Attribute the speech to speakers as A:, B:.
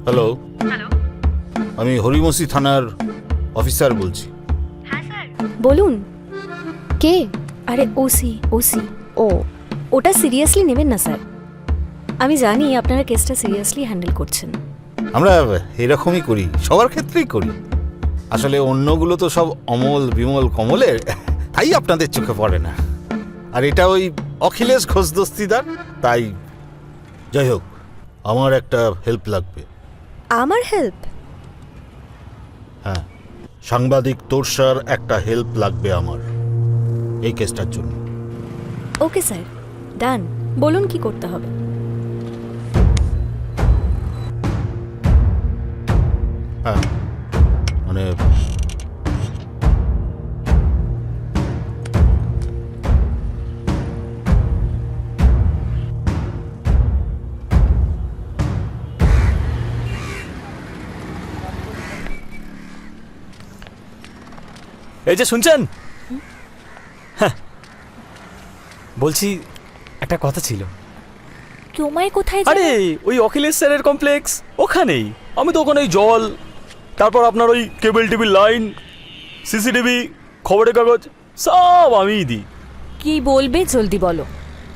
A: Hello,
B: hello.
A: আমি হরিমসি থানার officer বলছি।
B: হ্যাঁ স্যার।
C: বলুন। কে? আরে ওসি। ও, ওটা সিরিয়াসলি নেবেন না স্যার। আমি জানি আপনারা কেসটা সিরিয়াসলি হ্যান্ডেল করছেন।
A: আমরা এরকমই করি, সবার ক্ষেত্রেই করি। আসলে অন্যগুলো তো সব অমল বিমল কমলের, তাই আপনাদের চোখে পড়ে না। আর এটা ওই অখিলেশ ঘোষ দস্তিদার, তাই। যাই হোক, আমার একটা হেল্প লাগবে।
C: আমার হেল্প?
A: হ্যাঁ, সাংবাদিক তোরসার একটা হেল্প লাগবে আমার এই কেসটার জন্য।
C: Okay sir, done. বলুন কি করতে হবে।
A: হ্যাঁ, মানে
D: এই যে শুনছেন, হ্যাঁ, বলছি একটা কথা ছিল।
C: তোমায় কোথায়
D: আরে ওই অখিলেশ স্যারের কমপ্লেক্স ওখানেই। আমি তো ওখানে জল, তারপর আপনার ওই কেবল টিভির লাইন, সিসিটিভি, খবরের কাগজ সব আমিই দিই।
C: কি বলবে জলদি বলো।